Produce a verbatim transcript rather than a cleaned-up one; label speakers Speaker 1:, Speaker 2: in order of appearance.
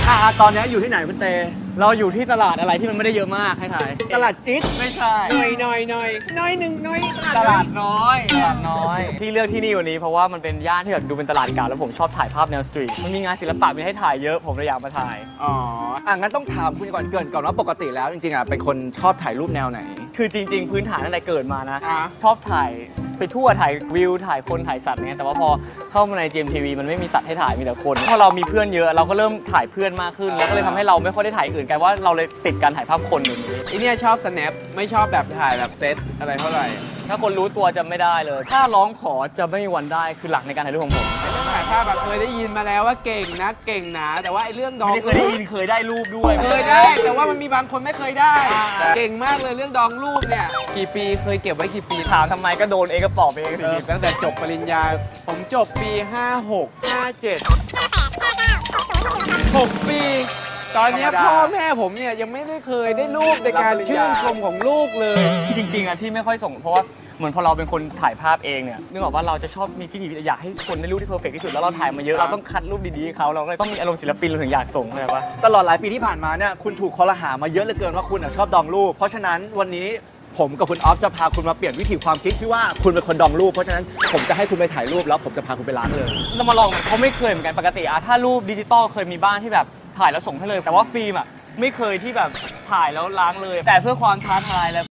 Speaker 1: อ่ะตอนนี้อยู่ที่ไหนคุณเต
Speaker 2: เราอยู่ที่ตลาดอะไรที่มันไม่ได้เยอะมากให้ถ่าย
Speaker 1: ตลาดจิ๊ด
Speaker 2: ไม่ใช่
Speaker 3: หน่อยหน่อยหน่อยหน่อยหนึ่งหน่อย
Speaker 2: ตลาดน้อยตลาดน้อยที่เลือกที่นี่วันนี้เพราะว่ามันเป็นย่านที่แบบดูเป็นตลาดเก่าแล้วผมชอบถ่ายภาพแนวสตรีทมันมีงานศิลปะมีให้ถ่ายเยอะผมเลยอยากมาถ่าย
Speaker 1: อ๋ออ่ะงั้นต้องถามคุณก่อนเกินก่อนว่าปกติแล้วจริงๆอ่ะเป็นคนชอบถ่ายรูปแนวไหน
Speaker 2: คือจริงๆพื้นฐานตั้งแต่เกิดมานะ
Speaker 3: อ่ะ
Speaker 2: ชอบถ่ายไปทั่วถ่ายวิวถ่ายคนถ่ายสัตว์เนี่ยแต่ว่าพอเข้ามาใน จี เอ็ม ที วี มันไม่มีสัตว์ให้ถ่ายมีแต่คนพอเรามีเพื่อนเยอะเราก็เริ่มถ่ายเพื่อนมากขึ้นแล้วก็เลยทำให้เราไม่ค่อยได้ถ่ายอื่นกันว่าเราเลยติดการถ่ายภาพคนอย่างนี้
Speaker 3: ไอเนี่ยชอบ snap ไม่ชอบแบบถ่ายแบบเซตอะไรเท่าไหร่
Speaker 2: ถ้าคนรู้ตัวจะไม่ได้เลย ถ้าร้องขอจะไม่มีวันได้คือหลักในการถ่ายรูปของผม
Speaker 3: เรื่องถ่ายภาพแบบเคยได้ยินมาแล้วว่าเก่งนะเก่งนะแต่ว่าไอเรื่องดอง
Speaker 2: ไม่ได้เคยได้ยินเคยได้รูปด้วย
Speaker 3: เคยได้ แต่ว่ามันมีบางคนไม่เคยได้
Speaker 2: อ่า
Speaker 3: เก่งมากเลยเรื่องดองรูปเนี่ยกี่ปีเคยเก็บไว้กี่ปี
Speaker 2: ถามทำไมก็โดนเองก็ตอบเอง
Speaker 3: เออตั้งแต่จบปริญญาผมจบปีห้าหก ห้าเจ็ด หกปี ตอนเนี้ยพ่อแม่ผมเนี่ยยังไม่ได้เคยได้รูปในการชื่นชมของลูกเลย
Speaker 2: ที่จริงๆอะที่ไม่ค่อยส่งเพราะว่าเหมือนพอเราเป็นคนถ่ายภาพเองเนี่ยนึกออกว่าเราจะชอบมีพิธีอยากให้คนได้รูปที่เพอร์เฟกต์ที่สุดแล้วเราถ่ายมาเยอะเราต้องคัดรูปดีๆให้เขาเราเลยต้องมีอารมณ์ศิลปินเราถึงอยากส่งเลยปะ
Speaker 1: ตลอดหลายปีที่ผ่านมาเนี่ยคุณถูกคอรหามาเยอะเหลือเกินว่าคุณอ่ะชอบดองรูปเพราะฉะนั้นวันนี้ผมกับคุณออฟจะพาคุณมาเปลี่ยนวิธีความคิดที่ว่าคุณเป็นคนดองรูปเพราะฉะนั้นผมจะให้คุณไปถ่ายรูปแล้วผมจะพาคุณไปล้างเลย
Speaker 2: เรามาลองเขาไม่เคยเหมือนกันปกติอะถ้ารูปดิจิตอลเคยมีบ้านที่แบบถ่ายแล้วส่งให้เลย แต่ว่าฟิล์มอะไม่เคยที่แบบถ่ายแล้วล้างเลย แต่เพื่อความท้าทายและ